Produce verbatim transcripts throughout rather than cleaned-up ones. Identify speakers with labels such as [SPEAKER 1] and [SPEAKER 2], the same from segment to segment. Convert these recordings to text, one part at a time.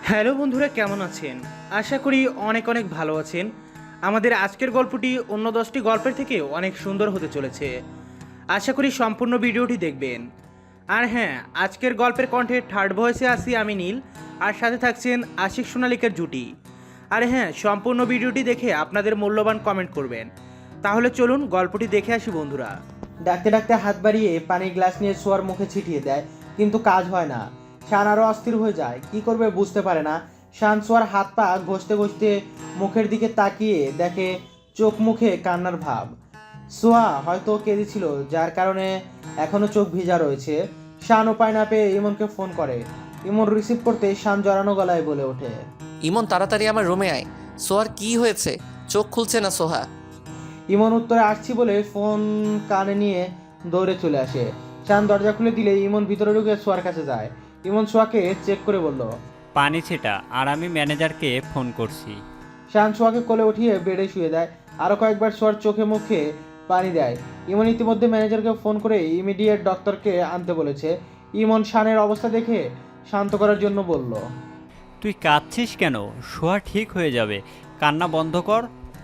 [SPEAKER 1] Hello বন্ধুরা, কেমন আছেন? আশা করি অনেক অনেক ভালো আছেন। আমাদের আজকের গল্পটি অন্য দশটি গল্পের থেকে অনেক সুন্দর হতে চলেছে। আশা করি সম্পূর্ণ ভিডিওটি দেখবেন। আর হ্যাঁ, আজকের গল্পের কণ্ঠে থার্ড ভয়েসে আসি আমি নীল, আর সাথে থাকছেন আশিক সোনালিকের জুটি। আর হ্যাঁ, সম্পূর্ণ ভিডিওটি দেখে আপনাদের মূল্যবান কমেন্ট করবেন। তাহলে চলুন গল্পটি দেখে আসি বন্ধুরা। ডাকতে ডাকতে হাত বাড়িয়ে পানির গ্লাস নিয়ে সোয়ার মুখে ছিটিয়ে দেয়, কিন্তু কাজ হয় না। শান আরও অস্থির হয়ে যায়, কি করবে বুঝতে পারে না। শান সোয়ার হাত পা ঘষতে ঘষতে মুখের দিকে তাকিয়ে দেখে চোখ মুখে কান্নার ভাব। সোয়া হয়তো কেঁদেছিল, যার কারণে এখনো চোখ ভিজা রয়েছে। শান উপায় না পেয়ে ইমনকে ফোন করে। ইমন রিসিভ করতে শান জড়ানো গলায় বলে ওঠে,
[SPEAKER 2] ইমন তাড়াতাড়ি আমার রুমে আয়। সোহার কি হয়েছে? চোখ খুলছে না সোহা।
[SPEAKER 1] ইমন উত্তরে আসছি বলে ফোন কানে নিয়ে দৌড়ে চলে আসে। শান দরজা খুলে দিলে ইমন ভিতরে ঢুকে সোয়ার কাছে যায়। ইমন সোয়াকে চেক করে বলল,
[SPEAKER 3] পানি ছেটা, আর আমি ম্যানেজারকে ফোন করছি।
[SPEAKER 1] শান সোয়াকে কোলে উঠিয়ে বেডে শুয়ে দেয়। আরও কয়েকবার সোয়ার চোখে মুখে পানি দেয়। ইমন ইতিমধ্যে ম্যানেজারকে ফোন করে ইমিডিয়েট ডক্টরকে আনতে বলেছে। ইমন শানের অবস্থা দেখে শান্ত করার জন্য বলল,
[SPEAKER 3] তুই কাঁদছিস কেন? শোয়া ঠিক হয়ে যাবে, কান্না বন্ধ কর।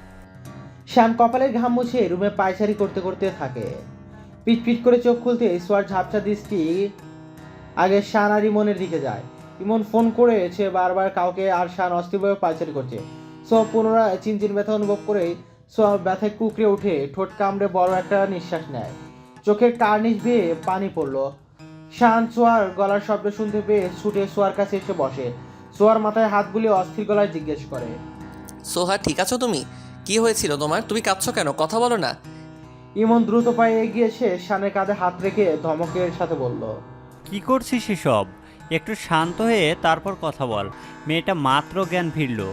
[SPEAKER 1] শান কপালের ঘাম মুছে রুমে পায়চারি করতে করতে থাকে। পিট পিট করে চোখ খুলতে সোয়ার ঝাপসা দৃষ্টি আগে শান আর ইমনের দিকে যায়। ইমন ফোন করেছে বারবার কাউকে, আর শান অস্থিরভাবে পায়চারি করছে। সো পুনরায় চিনচিন ব্যথা অনুভব করে সো ব্যথায় কুকড়ে উঠে ঠোঁট কামড়ে বড় একটা নিঃশ্বাস নেয়। চোখের কার্নিশ বেয়ে পানি পড়লো। শান সোয়ার গলার শব্দ শুনতে পেয়ে ছুটে সোয়ার কাছে এসে বসে। সোয়ার মাথায় হাত বুলিয়ে অস্থির গলায় জিজ্ঞেস করে,
[SPEAKER 2] সোহা ঠিক আছো তুমি? কি হয়েছিল তোমার? তুমি কাঁদছো কেন? কথা বলো না।
[SPEAKER 1] ইমন দ্রুত পায়ে এগিয়ে এসে শানের কাঁধে হাত রেখে ধমকের সাথে বলল,
[SPEAKER 3] কি করছিস এসব? একটু শান্ত হয়ে তারপর কথা বল। মেয়েটা মাত্র জ্ঞান ফিরল।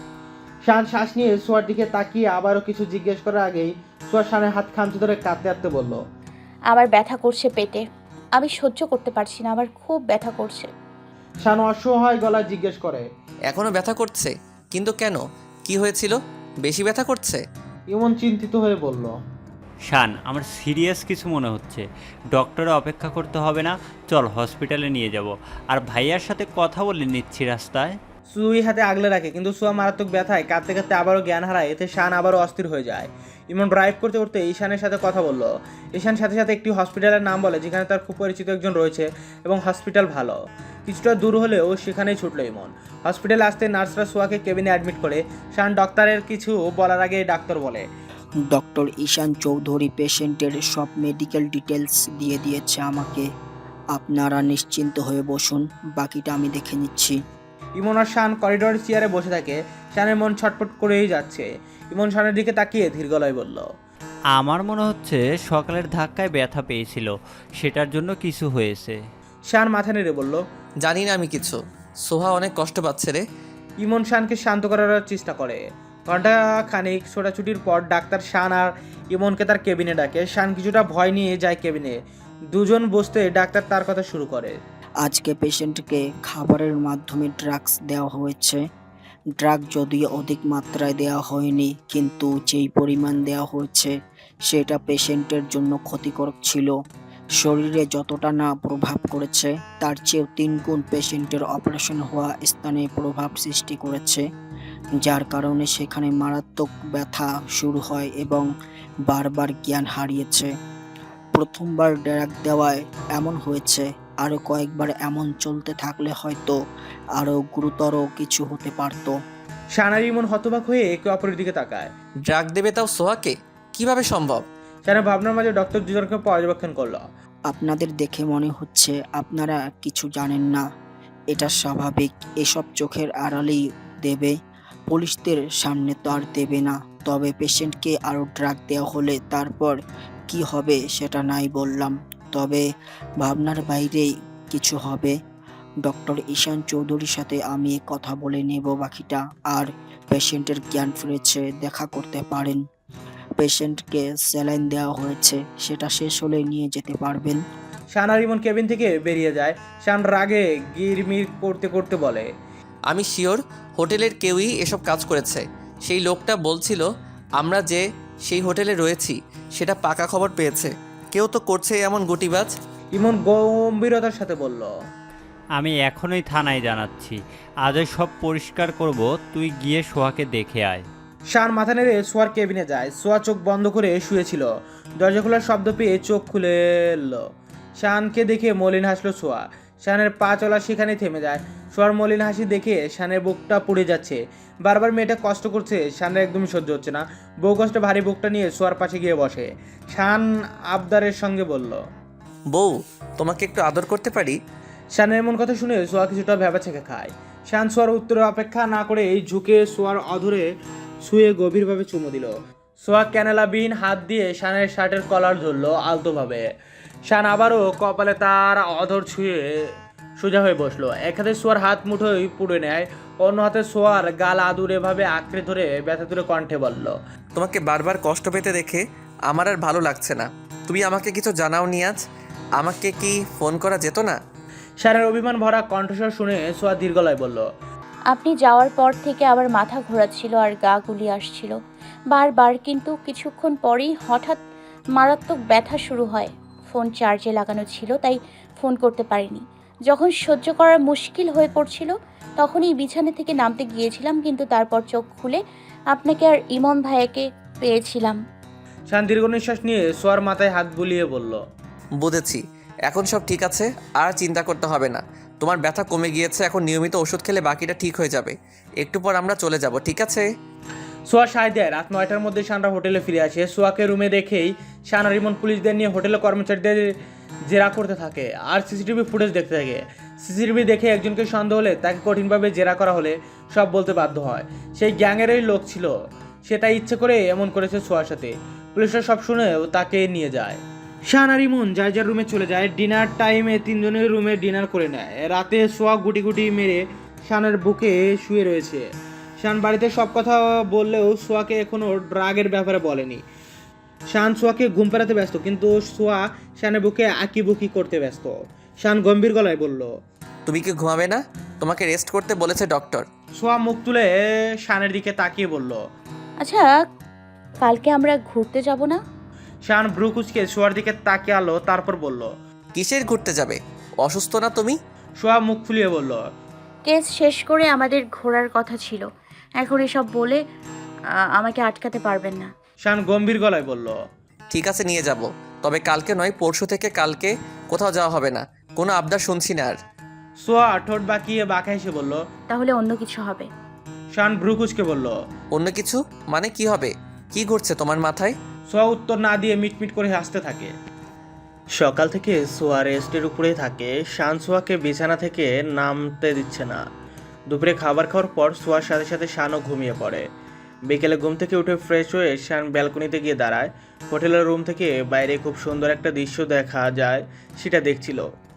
[SPEAKER 1] শান শ্বাস নিয়ে সোয়ার দিকে তাকিয়ে আবারও কিছু জিজ্ঞেস করার আগেই সোয়া শানের হাত খামচে ধরে কাঁদতে কাঁদতে বলল,
[SPEAKER 4] আমার ব্যথা করছে পেটে। আমি সহ্য করতে পারছি না, আমার খুব ব্যথা করছে।
[SPEAKER 1] শান অসহায় গলায় জিজ্ঞেস করে।
[SPEAKER 2] এখনো ব্যথা করছে? কিন্তু কেন? কি হয়েছিল? বেশি ব্যথা করছে?
[SPEAKER 1] ইমন চিন্তিত হয়ে বলল,
[SPEAKER 3] শান, আমার সিরিয়াস কিছু মনে হচ্ছে। ডক্টরে অপেক্ষা করতে হবে না, চল হসপিটালে নিয়ে যাব। আর ভাইয়ার সাথে কথা বলে নিচ্ছি রাস্তায়।
[SPEAKER 1] সুই হাতে আগলে রাখে, কিন্তু সোয়া মারাত্মক ব্যথায় কাঁদতে কাঁদতে আবারও জ্ঞান হারায়। এতে শান আবারও অস্থির হয়ে যায়। ইমন ড্রাইভ করতে করতে ঈশানের সাথে কথা বলল। ঈশান সাথে সাথে একটি হসপিটালের নাম বলে, যেখানে তার খুব পরিচিত একজন রয়েছে এবং হসপিটাল ভালো। কিছুটা দূর হলেও সেখানেই ছুটলো ইমন। হসপিটালে আসতে নার্সরা সোয়াকে কেবিনে অ্যাডমিট করে। শান ডক্টরের কিছু বলার আগে ডাক্তার বলে,
[SPEAKER 5] ডক্টর ঈশান চৌধুরী পেশেন্টের সব মেডিকেল ডিটেলস দিয়ে দিয়েছে আমাকে। আপনারা নিশ্চিন্ত হয়ে বসুন, বাকিটা আমি দেখে নিচ্ছি।
[SPEAKER 1] ইমন আর শান করিডোরের চেয়ারে বসে থাকে। শানের মন ছটফট করেই যাচ্ছে। ইমন শানের দিকে তাকিয়ে ধীর গলায় বলল,
[SPEAKER 3] আমার মনে হচ্ছে সকালের ধাক্কায় ব্যথা পেয়েছিল, সেটার জন্য কিছু হয়েছে।
[SPEAKER 1] শান মাথা নেড়ে বলল,
[SPEAKER 2] জানি না আমি কিছু। সোহা অনেক কষ্ট পাচ্ছে রে।
[SPEAKER 1] ইমন শানকে শান্ত করার চেষ্টা করে। ঘন্টা খানিক ছোটাছুটির পর ডাক্তার শান আর ইমনকে তার কেবিনে ডাকে। শান কিছুটা ভয় নিয়ে যায় কেবিনে। দুজন বসতে ডাক্তার তার কথা শুরু করে।
[SPEAKER 5] আজকে পেশেন্টকে খাবারের মাধ্যমে ড্রাগস দেওয়া হয়েছে। ড্রাগ যদিও অধিক মাত্রায় দেওয়া হয়নি, কিন্তু যেই পরিমাণ দেওয়া হয়েছে সেটা পেশেন্টের জন্য ক্ষতিকারক ছিল। শরীরে যতটা না প্রভাব করেছে, তার চেয়েও তিন গুণ পেশেন্টের অপারেশন হওয়া স্থানে প্রভাব সৃষ্টি করেছে, যার কারণে সেখানে মারাত্মক ব্যথা শুরু হয় এবং বারবার জ্ঞান হারিয়েছে। প্রথমবার ড্রাগ দেওয়ায় এমন হয়েছে, আরও কয়েকবার এমন চলতে থাকলে হয়তো আরও গুরুতর কিছু হতে পারত।
[SPEAKER 1] শান আর ইমন হতবাক হয়ে একে অপরের দিকে তাকায়।
[SPEAKER 2] ড্রাগ দেবে তাও সোহাকে? কিভাবে সম্ভব?
[SPEAKER 1] শানের ভাবনার মাঝে ডক্টর দুজনকে পর্যবেক্ষণ করলো।
[SPEAKER 5] আপনাদের দেখে মনে হচ্ছে আপনারা কিছু জানেন না। এটা স্বাভাবিক, এসব চোখের আড়ালেই দেবে, পুলিশদের সামনে তো আর দেবে না। তবে পেশেন্টকে আরও ড্রাগ দেওয়া হলে তারপর কি হবে সেটা নাই বললাম, তবে ভাবনার বাইরেই কিছু হবে। ডক্টর ঈশান চৌধুরীর সাথে আমি কথা বলে নেব বাকিটা। আর পেশেন্টের জ্ঞান ফিরেছে, দেখা করতে পারেন। পেশেন্টকে স্যালাইন দেওয়া হয়েছে, সেটা শেষ হলে নিয়ে যেতে পারবেন।
[SPEAKER 1] শান আর ইমন কেবিন থেকে বেরিয়ে যায়। শান রাগে গিরমির করতে করতে বলে,
[SPEAKER 2] আমি শিওর হোটেলের কেউই এসব কাজ করেছে। সেই লোকটা বলছিল আমরা যে সেই হোটেলে রয়েছি সেটা পাকা খবর পেয়েছে। কেউ তো করছে এমন গুটিবাজ।
[SPEAKER 1] ইমন গম্ভীরতার সাথে বলল,
[SPEAKER 3] আমি এখনই থানায় জানাচ্ছি। আজই সব পরিষ্কার করব, তুই গিয়ে সোহাকে দেখে আয়।
[SPEAKER 1] শান মাথা নেড়ে সোয়ার কেবিনে যায়। সোয়া চোখ বন্ধ করে শুয়েছিল। দরজা খোলার শব্দ পেয়ে চোখ খুলে এলো। শানকে দেখে মলিন হাসলো সোয়া। শানের পা চলা সেখানে থেমে যায়। সোয়ার মলিন হাসি দেখে শানের বুকটা পুড়ে যাচ্ছে। বারবার মেয়েটা কষ্ট করছে, শানের একদমই সহ্য হচ্ছে না। বউ কষ্টে ভারী বুকটা নিয়ে সোয়ার পাশে গিয়ে বসে। শান আবদারের সঙ্গে বলল,
[SPEAKER 2] বউ, তোমাকে একটু আদর করতে পারি?
[SPEAKER 1] শানের এমন কথা শুনে সোয়া কিছুটা ভেবা ছেঁকে খায়। শান সোয়ার উত্তরে অপেক্ষা না করে ঝুঁকে সোয়ার অধরে শুয়ে গভীরভাবে চুমু দিল। সোয়া ক্যানেলাবিহীন হাত দিয়ে শানের শার্টের কলার ধরলো আলতোভাবে। শান আবারও কপালে তার অধর ছুঁয়ে সোজা হয়ে বসলো। এক হাতে সোয়ার হাত মুঠোই পুড়ে নেয়, অন্য হাতে সোয়ার গাল আদুরে ভাবে আঁকড়ে ধরে ব্যথা তুলে কণ্ঠে বলল,
[SPEAKER 2] তোমাকে বারবার কষ্ট পেতে দেখে আমার আর ভালো লাগছে না। তুমি আমাকে কিছু জানাও নি আজ? আমাকে কি ফোন করা যেত না?
[SPEAKER 1] শানের অভিমান ভরা কণ্ঠস্বর শুনে সোয়া দীর্ঘ গলায় বলল,
[SPEAKER 4] আপনি যাওয়ার পর থেকে আবার মাথা ঘোরাচ্ছিল আর গা গুলি আসছিল বারবার, কিন্তু কিছুক্ষণ পরেই হঠাৎ মারাত্মক ব্যথা শুরু হয়। ফোন চার্জে লাগানো ছিল, তাই ফোন করতে পারিনি। যখন সহ্য করা মুশকিল হয়ে পড়ছিল তখনই বিছানা থেকে নামতে গিয়েছিলাম, কিন্তু তারপর চোখ খুলে আপনাকে আর ইমন ভাইয়াকে পেয়েছিলাম।
[SPEAKER 1] শান দীর্ঘ নিঃশ্বাস নিয়ে সোয়ার মাথায় হাত বুলিয়ে বলল,
[SPEAKER 2] বুঝেছি, এখন সব ঠিক আছে, আর চিন্তা করতে হবে না। তোমার ব্যথা কমে গিয়েছে, এখন নিয়মিত ওষুধ খেলে বাকিটা ঠিক হয়ে যাবে। একটু পর আমরা চলে যাব, ঠিক আছে?
[SPEAKER 1] সোয়া সায় দেয়। রাত নয়টার মধ্যে শানরা হোটেলে ফিরে আসে। সোয়াকে রুমে দেখেই শান আর ইমন পুলিশদের নিয়ে হোটেলের কর্মচারীদের জেরা করতে থাকে আর সিসিটিভি ফুটেজ দেখতে থাকে। সিসিটিভি দেখে একজনকে সন্দেহ হলে তাকে কঠিনভাবে জেরা করা হলে সব বলতে বাধ্য হয়। সেই গ্যাংয়েরই লোক ছিল, সে তাই ইচ্ছে করে এমন করেছে সোয়ার সাথে। পুলিশরা সব শুনেও তাকে নিয়ে যায়। শান আর ইমন যার যার রুমে চলে যায়। ডিনার টাইমে তিনজনের রুমে ডিনার করে নেয়। রাতে সোয়া গুটি গুটি মেরে শানের বুকে শুয়ে রয়েছে। শান বাড়িতে সব কথা বললেও সোয়াকে এখনও ড্রাগের ব্যাপারে বলেনি। শান সোয়াকে ঘুম পাড়াতে ব্যস্ত, কিন্তু সোয়া শানের বুকে আঁকিবুকি করতে ব্যস্ত। শান গম্ভীর গলায় বলল,
[SPEAKER 2] তুমি কি ঘুমাবে না? তোমাকে রেস্ট করতে বলেছে ডক্টর।
[SPEAKER 1] সোয়া মুখ তুলে শানের দিকে তাকিয়ে বলল,
[SPEAKER 4] আচ্ছা, কালকে আমরা ঘুরতে যাব না?
[SPEAKER 1] শান ভ্রু কুচকে সোয়ার দিকে তাকিয়ে আলো, তারপর বলল,
[SPEAKER 2] কিসের ঘুরতে যাবে? অসুস্থ না তুমি?
[SPEAKER 1] সোয়া মুখ ফুলিয়ে বলল,
[SPEAKER 4] কেস শেষ করে আমাদের ঘোরার কথা ছিল। এখন এসব বলে আ, আমাকে আটকাতে পারবেন না।
[SPEAKER 1] শান গম্ভীর গলায় বলল,
[SPEAKER 2] ঠিক আছে, নিয়ে যাব, তবে কালকে নয়, পরশু থেকে কালকে কোথাও যাওয়া হবে না। কোনো আবদার শুনছি না আর।
[SPEAKER 1] সোয়া ঠোঁট বাঁকিয়ে বাঁকা হেসে বলল।
[SPEAKER 4] তাহলে অন্য কিছু হবে।
[SPEAKER 1] শান ভ্রু কুচকে বলল,
[SPEAKER 2] অন্য কিছু মানে কি হবে? কি ঘুরছে তোমার মাথায়?
[SPEAKER 1] সোয়া উত্তর না দিয়ে মিটমিট করে হাসতে থাকে। সকাল থেকে সোয়া রেস্টের উপরেই থাকে। শান সোয়াকে বিছানা থেকে নামতে দিচ্ছে না। দুপুরে খাবার খাওয়ার পর সোয়ার সাথে সাথে শানও ঘুমিয়ে পড়ে। বিকেলে ঘুম থেকে উঠে ফ্রেশ হয়ে শান ব্যালকনিতে গিয়ে দাঁড়ায়। হোটেলের রুম থেকে বাইরে খুব সুন্দর একটা দৃশ্য দেখা যায়, সেটা দেখছিল।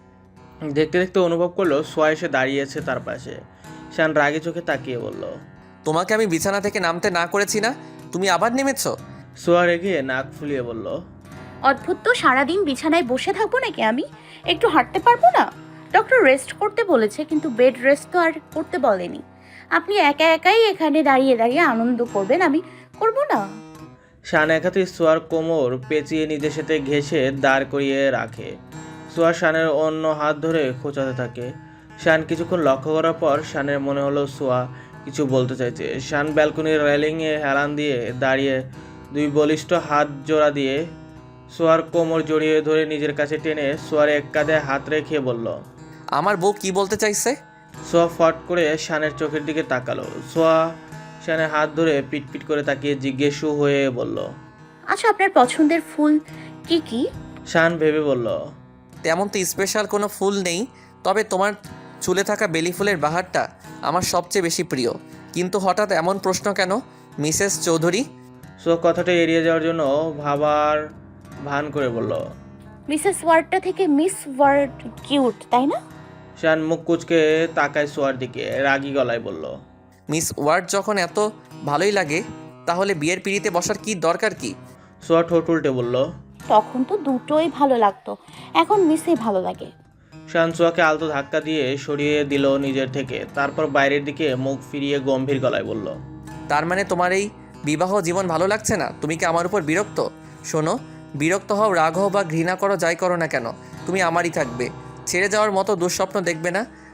[SPEAKER 1] দেখতে দেখতে অনুভব করলো সোয়া এসে দাঁড়িয়েছে তার পাশে। শান রাগে চোখে তাকিয়ে বলল,
[SPEAKER 2] তোমাকে আমি বিছানা থেকে নামতে না করেছি না? তুমি আবার নেমেছো?
[SPEAKER 1] সোয়া রেগে নাক ফুলিয়ে বলল,
[SPEAKER 4] অদ্ভুত তো, সারাদিন বিছানায় বসে থাকবো নাকি আমি? একটু হাঁটতে পারবো না? ডক্টর রেস্ট করতে বলেছে, কিন্তু বেড রেস্ট তো আর করতে বলেনি। আপনি একা একাই এখানে দাঁড়িয়ে দাঁড়িয়ে আনন্দ করবেন, আমি করব না?
[SPEAKER 1] শান এক হাতে সোয়ার কোমর পেঁচিয়ে নিজের সাথে ঘেঁষে দাঁড় করিয়ে রাখে। সোয়া শানের অন্য হাত ধরে খোঁচাতে থাকে। শান কিছুক্ষণ লক্ষ্য করার পর শানের মনে হলো সোয়া কিছু বলতে চাইছে। শান ব্যালকনির রেলিংয়ে হেলান দিয়ে দাঁড়িয়ে দুই বলিষ্ঠ হাত জোড়া দিয়ে সোয়ার কোমর জড়িয়ে ধরে নিজের কাছে টেনে সোয়ার এক কাঁধে হাত রেখে বলল,
[SPEAKER 2] আমার বউ কি বলতে চাইছে?
[SPEAKER 1] সোয়া ফট করে শানের চোখের দিকে তাকালো। সোয়া শানের হাত ধরে পিটপিট করে তাকিয়ে জিজ্ঞেসু হয়ে বলল,
[SPEAKER 4] আচ্ছা, আপনার পছন্দের ফুল কি কি?
[SPEAKER 1] শান ভেবে বলল,
[SPEAKER 2] তেমন তো স্পেশাল কোনো ফুল নেই, তবে তোমার চুলে থাকা বেলি ফুলের বাহারটা আমার সবচেয়ে বেশি প্রিয়। কিন্তু হঠাৎ এমন প্রশ্ন কেন, মিসেস চৌধুরী?
[SPEAKER 1] সোয়া কথাটা এড়িয়ে যাওয়ার জন্য ভাবার ভান করে বলল।
[SPEAKER 4] মিসেস ওয়ার্ডটা থেকে মিস ওয়ার্ড কিউট, তাই না?
[SPEAKER 1] শান মুখ কুচকে তাকায় সোয়ার দিকে, রাগী গলায় বলল,
[SPEAKER 2] মিস ওয়ার্ড যখন এত ভালোই লাগে, তাহলে বিয়ের পিড়িতে বসার কি দরকার কি?
[SPEAKER 1] সোয়া ঠোঁট উল্টে বলল।
[SPEAKER 4] তখন তো দুটোই ভালো লাগতো, এখন মিসই ভালো লাগে।
[SPEAKER 1] শান সোয়াকে আলতো ধাক্কা দিয়ে সরিয়ে দিল নিজের থেকে, তারপর বাইরের দিকে মুখ ফিরিয়ে গম্ভীর গলায় বলল,
[SPEAKER 2] তার মানে তোমার এই বিবাহ জীবন ভালো লাগছে না? তুমি কি আমার উপর বিরক্ত? শোনো, বিরক্ত হও, রাগ হও বা ঘৃণা করো, যাই করো না কেন, তুমি আমারই থাকবে। ছেড়ে যাওয়ার মতো দুঃস্বপ্ন দেখবে না।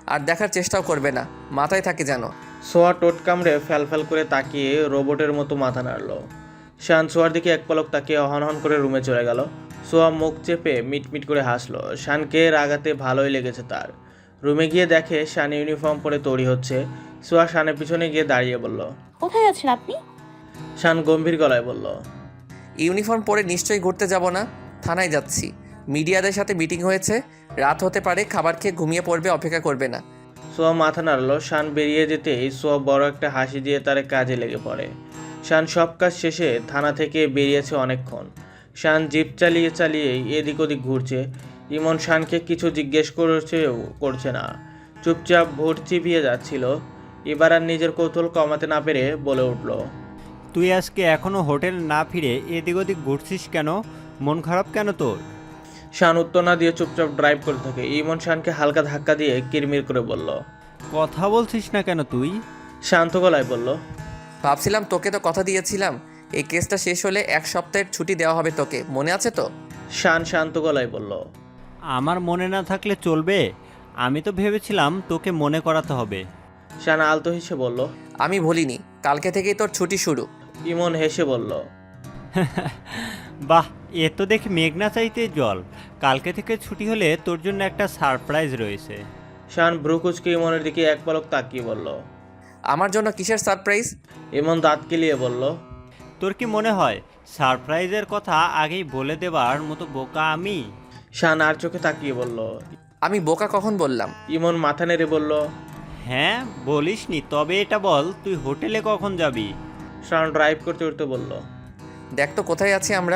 [SPEAKER 2] আর দেখার চেষ্টাও করবে না, মাথায় থাকে যেন।
[SPEAKER 1] সোয়া টোট কামড়ে ফ্যালফ্যাল করে তাকিয়ে রোবটের মতো মাথা নাড়ল। শান সোয়ার দিকে এক পলক তাকিয়ে হন হন করে রুমে চলে গেল। সোয়া মুখ চেপে মিটমিট করে হাসলো। শানকে রাগাতে ভালোই লেগেছে তার। রুমে গিয়ে দেখে শান ইউনিফর্ম পরে তৈরি হচ্ছে। সোয়া শানের পিছনে গিয়ে দাঁড়িয়ে বলল।
[SPEAKER 4] কোথায় আছেন আপনি?
[SPEAKER 1] শান গম্ভীর গলায় বলল।
[SPEAKER 2] ইউনিফর্ম পরে নিশ্চয়ই ঘুরতে যাব না, থানায় যাচ্ছি। মিডিয়াদের সাথে মিটিং হয়েছে, রাত হতে পারে, খাবার খেয়ে ঘুমিয়ে পড়বে, অপেক্ষা করবে না।
[SPEAKER 1] সোয়া মাথা নাড়ল। শান বেরিয়ে যেতেই সোয়া বড় একটা হাসি দিয়ে তার কাজে লেগে পড়ে। শান সব কাজ শেষে থানা থেকে বেরিয়েছে অনেকক্ষণ। শান জিপ চালিয়ে চালিয়ে এদিক ওদিক ঘুরছে। ইমন শানকে কিছু জিজ্ঞেস করছে করছে না, চুপচাপ ভোট চিপিয়ে যাচ্ছিল। এবার আর নিজের কৌতূহল কমাতে না পেরে বলে উঠল।
[SPEAKER 3] তুই আজকে এখনও হোটেল না ফিরে এদিক ওদিক ঘুরছিস কেন? মন খারাপ কেন তোর?
[SPEAKER 1] শান উত্তর না দিয়ে চুপচাপ ড্রাইভ করতে থাকে। ইমন শানকে হালকা ধাক্কা দিয়ে কিরমির করে বলল।
[SPEAKER 3] কথা বলছিস না কেন তুই?
[SPEAKER 1] শান্ত গলায় বলল।
[SPEAKER 2] ভাবছিলাম, তোকে তো কথা দিয়েছিলাম এই কেসটা শেষ হলে এক সপ্তাহের ছুটি দেওয়া হবে তোকে, মনে আছে তো?
[SPEAKER 1] শান শান্ত গলায় বলল।
[SPEAKER 3] আমার মনে না থাকলে চলবে? আমি তো ভেবেছিলাম তোকে মনে করাতে হবে।
[SPEAKER 1] শান আলতো হেসে বলল।
[SPEAKER 2] আমি ভুলিনি, কালকে থেকেই তোর ছুটি শুরু।
[SPEAKER 1] ইমন হেসে বলল।
[SPEAKER 3] বাহ, এ তো দেখি মেঘনা চাইতে জল। কালকে থেকে ছুটি হলে তোর জন্য একটা সারপ্রাইজ রয়েছে।
[SPEAKER 1] শান ভ্রুকুচকে ইমনের দিকে এক পলক তাকিয়ে বলল।
[SPEAKER 2] আমার জন্য কিসের সারপ্রাইজ?
[SPEAKER 1] ইমন দাঁত কেলিয়ে বলল।
[SPEAKER 3] তোর কি মনে হয় সারপ্রাইজের কথা আগেই বলে দেবার মতো বোকা আমি?
[SPEAKER 1] শান আর চোখে তাকিয়ে বলল।
[SPEAKER 2] আমি বোকা কখন বললাম?
[SPEAKER 1] ইমন মাথা নেড়ে বলল।
[SPEAKER 3] হ্যাঁ বলিসনি, তবে এটা বল তুই হোটেলে কখন যাবি?
[SPEAKER 1] শান ড্রাইভ করতে করতে বলল।
[SPEAKER 2] দেখ তো কোথায় আছি আমরা।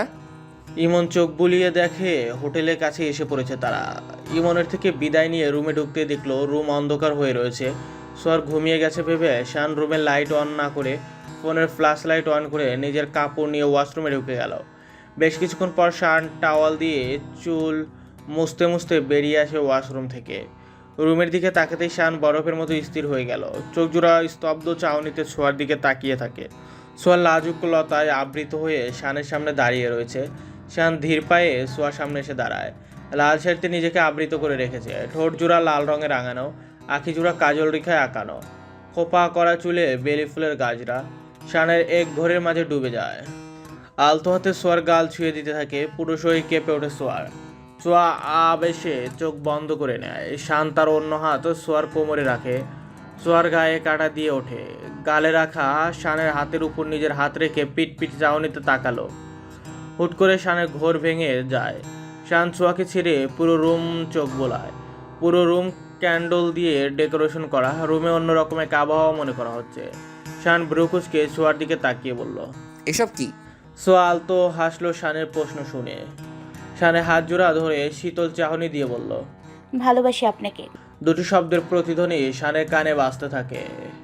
[SPEAKER 1] ইমন চোখ বুলিয়ে দেখে হোটেলের কাছে এসে পড়েছে তারা। ইমনের থেকে বিদায় নিয়ে রুমে ঢুকতে দেখলো রুম অন্ধকার হয়ে রয়েছে। সোয়ার ঘুমিয়ে গেছে ভেবে শান রুমের লাইট অন না করে ফোনের ফ্ল্যাশ লাইট অন করে নিজের কাপড় নিয়ে ওয়াশরুমে ঢুকে গেল। বেশ কিছুক্ষণ পর শান টাওয়াল দিয়ে চুল মুছতে মুছতে বেরিয়ে আসে ওয়াশরুম থেকে। রুমের দিকে তাকাতেই শান বরফের মতো স্থির হয়ে গেল। চোখ জোড়া স্তব্ধ চাউনিতে ছোঁয়ার দিকে তাকিয়ে থাকে। সোয়ার লাজুক লতায় আবৃত হয়ে শানের সামনে দাঁড়িয়ে রয়েছে। শান ধীর পায়ে সোয়ার সামনে এসে দাঁড়ায়। লাল শাড়িতে নিজেকে আবৃত করে রেখেছে। ঠোঁট জোড়া লাল রঙে রাঙানো, আখি জোড়া কাজল রেখায় আঁকানো, খোপা করা চুলে বেলি ফুলের গাজরা শানের এক ঘরের মাঝে ডুবে যায়। আলতো হাতে সোয়ার গাল ছুঁয়ে দিতে থাকে। পুরো শরীর কেঁপে ওঠে সোয়ার। সোয়া আবেশে চোখ বন্ধ করে নেয়। শান তার অন্য হাত সোয়ার কোমরে রাখে। সোয়ার গায়ে কাটা দিয়ে ওঠে। গালে রাখা শানের হাতের উপর নিজের হাত রেখে পিট পিট চাউনিতে তাকালো। হুট করে শানের ঘোর ভেঙে যায়। শান সোয়াকে ছেড়ে পুরো রুম চোখ বোলায়। পুরো রুম ক্যান্ডেল দিয়ে ডেকোরেশন করা। রুমে অন্য রকমের আবহাওয়া মনে করা হচ্ছে। শান ব্রুকুচকে সোয়ার দিকে তাকিয়ে বলল।
[SPEAKER 2] এসব কি?
[SPEAKER 1] সোয়া আলতো হাসলো শানের প্রশ্ন শুনে। শানে হাত জোড়া ধরে শীতল চাহনি দিয়ে বলল।
[SPEAKER 4] ভালোবাসি আপনাকে।
[SPEAKER 1] দুটি শব্দের প্রতিধ্বনি শানের কানে বাজতে থাকে।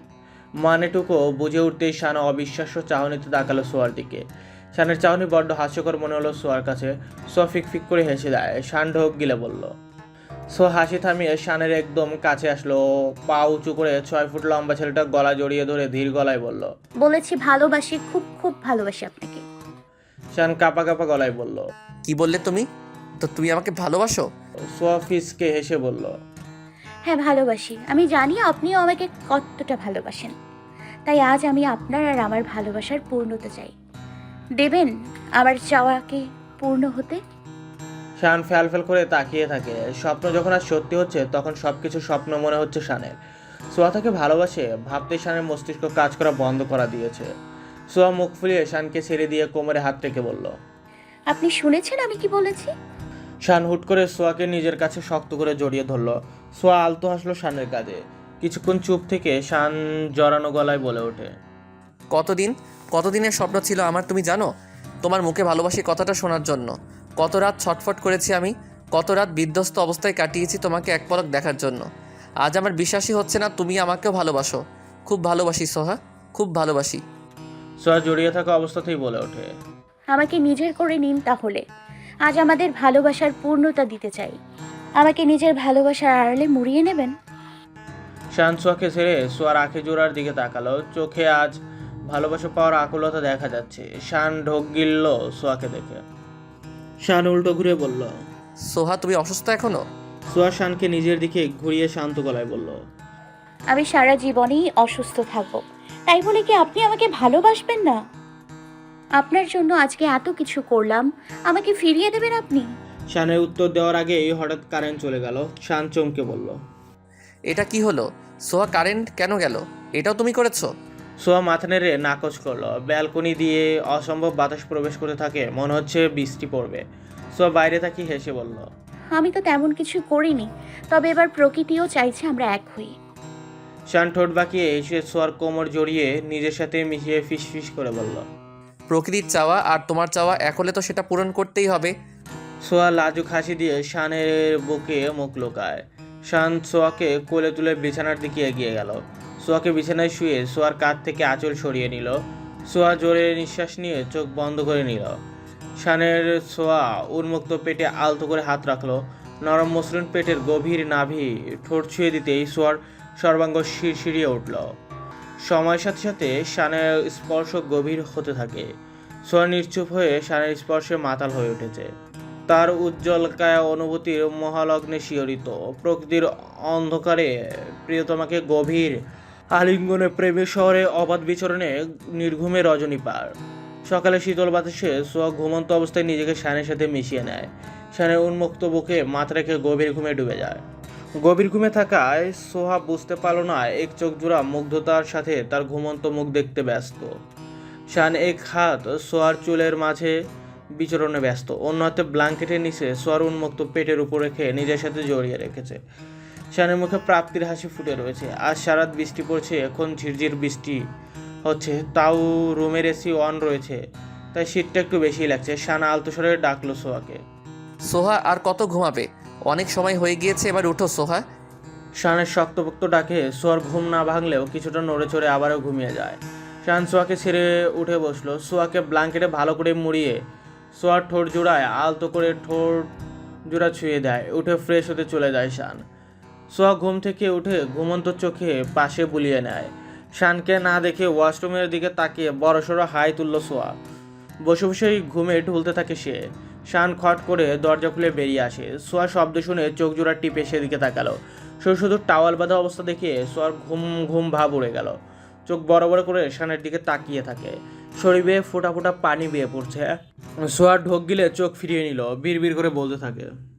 [SPEAKER 1] মানেটুকু বুঝে উঠতেই শান অবিশ্বাস্য চাহনিতে তাকালো সোয়ার দিকে। শানের চাহনি বড্ড হাস্যকর মনে হলো সোয়ার কাছে। সোয়া ফিক ফিক করে হেসে দেয়। শান ঢোক গিলে বলল। সোয়া হাসি থামিয়ে শানের একদম কাছে আসলো। পা উঁচু করে ছয় ফুট লম্বা ছেলেটা গলা জড়িয়ে ধরে ধীর গলায় বলল।
[SPEAKER 4] বলেছি ভালোবাসি, খুব খুব ভালোবাসি আপনাকে।
[SPEAKER 1] শান কাঁপা কাঁপা গলায় বলল।
[SPEAKER 2] কি বললে তুমি? তো তুমি আমাকে ভালোবাসো?
[SPEAKER 1] সোয়া ফিসকে হেসে বলল।
[SPEAKER 4] হ্যাঁ ভালোবাসি। আমি জানি আপনিও আমাকে কতটা ভালোবাসেন। তাই আজ আমি আপনার আর আমার ভালোবাসার পূর্ণতা চাই। দেবেন আমার চাওয়াকে পূর্ণ হতে?
[SPEAKER 1] শান ফ্যাল ফ্যাল করে তাকিয়ে থাকে। স্বপ্ন যখন আর সত্যি হচ্ছে তখন সবকিছু স্বপ্ন মনে হচ্ছে শানের। সোয়া তাকে ভালোবাসে ভাবতে শানের মস্তিষ্ক কাজ করা বন্ধ করা দিয়েছে। সোয়া মুখ ফুলিয়ে শানকে ছেড়ে দিয়ে কোমরে হাত রেখে বলল।
[SPEAKER 4] আপনি শুনেছেন আমি কি বলেছি?
[SPEAKER 1] শান হুট করে সোয়াকে নিজের কাছে শক্ত করে জড়িয়ে ধরল। সোয়া আলতো হাসলো শানের কাঁধে। কিছুক্ষণ চুপ থেকে শান জড়ানো গলায় বলে ওঠে।
[SPEAKER 2] কতদিন কতদিনের স্বপ্ন ছিল আমার, তুমি জানো? তোমার মুখে ভালোবাসি কথাটা শোনার জন্য কত রাত ছটফট করেছি আমি, কত রাত বিধ্বস্ত অবস্থায় কাটিয়েছি তোমাকে এক পলক দেখার জন্য। আজ আমার বিশ্বাসই হচ্ছে না তুমি আমাকেও ভালোবাসো। খুব ভালোবাসি সোহা, খুব ভালোবাসি।
[SPEAKER 1] সোয়া জড়িয়ে থাকা অবস্থাতেই বলে ওঠে।
[SPEAKER 4] আমাকে নিজের করে নিন তাহলে। আজ আমাদের ভালোবাসার পূর্ণতা দিতে চাই। আমাকে নিজের ভালোবাসার আড়ালে মুড়িয়ে নেবেন।
[SPEAKER 1] শান সোয়াকে ছেড়ে সোয়ার আঁখি জোড়ার দিকে তাকালো। চোখে আজ ভালোবাসা পাওয়ার আকুলতা দেখা যাচ্ছে। শান ঢোক গিলল সোয়াকে দেখে। শান উল্টো ঘুরে বলল।
[SPEAKER 2] সোহা তুমি অসুস্থ এখনো?
[SPEAKER 1] সোয়া শানকে নিজের দিকে ঘুরিয়ে শান্ত গলায় বলল,
[SPEAKER 4] আমি সারা জীবনেই অসুস্থ থাকবো, তাই বলে কি আপনি আমাকে ভালোবাসবেন না? আপনার জন্য আজকে এত কিছু করলাম, আমাকে ফিরিয়ে দেবেন আপনি?
[SPEAKER 1] শানের উত্তর দেওয়ার আগেই হঠাৎ কারেন্ট চলে গেল। শান চমকে বলল,
[SPEAKER 2] এটা কি হলো? সোহা, কারেন্ট কেন গেল? এটাও তুমি করেছো?
[SPEAKER 1] সোয়া মাথা নেড়ে নাকচ করলো। ব্যালকনি দিয়ে অসম্ভব বাতাস প্রবেশ করতে থাকে, মনে হচ্ছে বৃষ্টি পড়বে। সোয়া বাইরে তাকিয়ে হেসে বলল,
[SPEAKER 4] আমি তো তেমন কিছু করিনি, তবে এবার প্রকৃতিও চাইছে আমরা এক হই।
[SPEAKER 1] শান ঠোঁট বাঁকিয়ে এসে সোয়ার কোমর জড়িয়ে নিজের সাথে মিশিয়ে ফিস ফিস করে বলল।
[SPEAKER 2] প্রকৃতির চাওয়া আর তোমার চাওয়া এক হলে তো সেটা পূরণ করতেই হবে।
[SPEAKER 1] সোয়া লাজুক হাসি দিয়ে শানের বুকে মুখ লুকায়। শান সোয়াকে কোলে তুলে বিছানার দিকে এগিয়ে গেল। সোয়াকে বিছানায় শুয়ে সোয়ার কাঁধ থেকে আঁচল সরিয়ে নিল। সোয়া জোরে নিঃশ্বাস নিয়ে চোখ বন্ধ করে নিল। শানের সোয়া উন্মুক্ত পেটে আলতো করে হাত রাখলো। নরম মসৃণ পেটের গভীর নাভি ঠোঁট ছুঁয়ে দিতেই সোয়ার সর্বাঙ্গ শিরশিরিয়ে উঠল। সময়ের সাথে সাথে শানের স্পর্শ গভীর হতে থাকে। সোয়া নিশ্চুপ হয়ে শানের স্পর্শে মাতাল হয়ে উঠেছে। তার উজ্জ্বল কায়া অনুভূতির মহালগ্নে শিহরিত। প্রকৃতির অন্ধকারে প্রিয়তমাকে গভীর আলিঙ্গনে, প্রেমের শহরে অবাধ বিচরণে, নির্ঘুমে রজনী পার। সকালে শীতল বাতাসে সোয়া ঘুমন্ত অবস্থায় নিজেকে শানের সাথে মিশিয়ে নেয়। শানের উন্মুক্ত বুকে মাথা রেখে গভীর ঘুমে ডুবে যায়। গভীর ঘুমে থাকায় সোহা বুঝতে পারল না এক চোখ জোড়া মুগ্ধতার সাথে তার ঘুমন্ত মুখ দেখতে ব্যস্ত। শান এক হাত সোয়ার চুলের মাঝে বিচরণে ব্যস্ত, অন্য হাতে ব্ল্যাঙ্কেটের নিচে সোয়ার উন্মুক্ত পেটের উপর রেখে নিজের সাথে জড়িয়ে রেখেছে। শানের মুখে প্রাপ্তির হাসি ফুটে রয়েছে। আজ সারাত বৃষ্টি পড়ছে, এখন ঝিরঝির বৃষ্টি হচ্ছে, তাও রুমের এসি অন রয়েছে, তাই শীতটা একটু বেশি লাগছে। শান আলতো স্বরে ডাকলো সোয়াকে।
[SPEAKER 2] সোহা, আর কত ঘুমাবে? অনেক সময় হয়ে গিয়েছে, এবার উঠো সোহা।
[SPEAKER 1] শানের শক্তপোক্ত ডাকে সোয়ার ঘুম না ভাঙলেও কিছুটা নড়ে চড়ে আবারও ঘুমিয়ে যায়। শান সোয়াকে ছেড়ে উঠে বসলো। সোয়াকে ব্ল্যাঙ্কেটে ভালো করে মুড়িয়ে সোয়ার ঠোঁট জোড়ায় আলতো করে ঠোঁট জোড়া ছুঁয়ে দেয়। উঠে ফ্রেশ হতে চলে যায় শান। সোয়া ঘুম থেকে উঠে ঘুমন্ত চোখে পাশে বুলিয়ে নেয়। শানকে না দেখে ওয়াশরুমের দিকে তাকিয়ে বড়সড় হাই তুলল সোয়া। বসে বসেই ঘুমে ঢুলতে থাকে সে। শান খট করে দরজা খুলে বেরিয়ে আসে। সোয়া শব্দ শুনে চোখ জোড়া টিপে সেদিকে তাকালো। শুধু শুধু টাওয়াল বাঁধা অবস্থা দেখে সোয়ার ঘুম ঘুম ভাব উড়ে গেল। চোখ বড় বড় করে শানের দিকে তাকিয়ে থাকে। শরীর বেয়ে ফোঁটা ফোঁটা পানি বেয়ে পড়ছে। সোয়ার ঢোক গিলে চোখ ফিরিয়ে নিল, বিড় বিড় করে বলতে থাকে।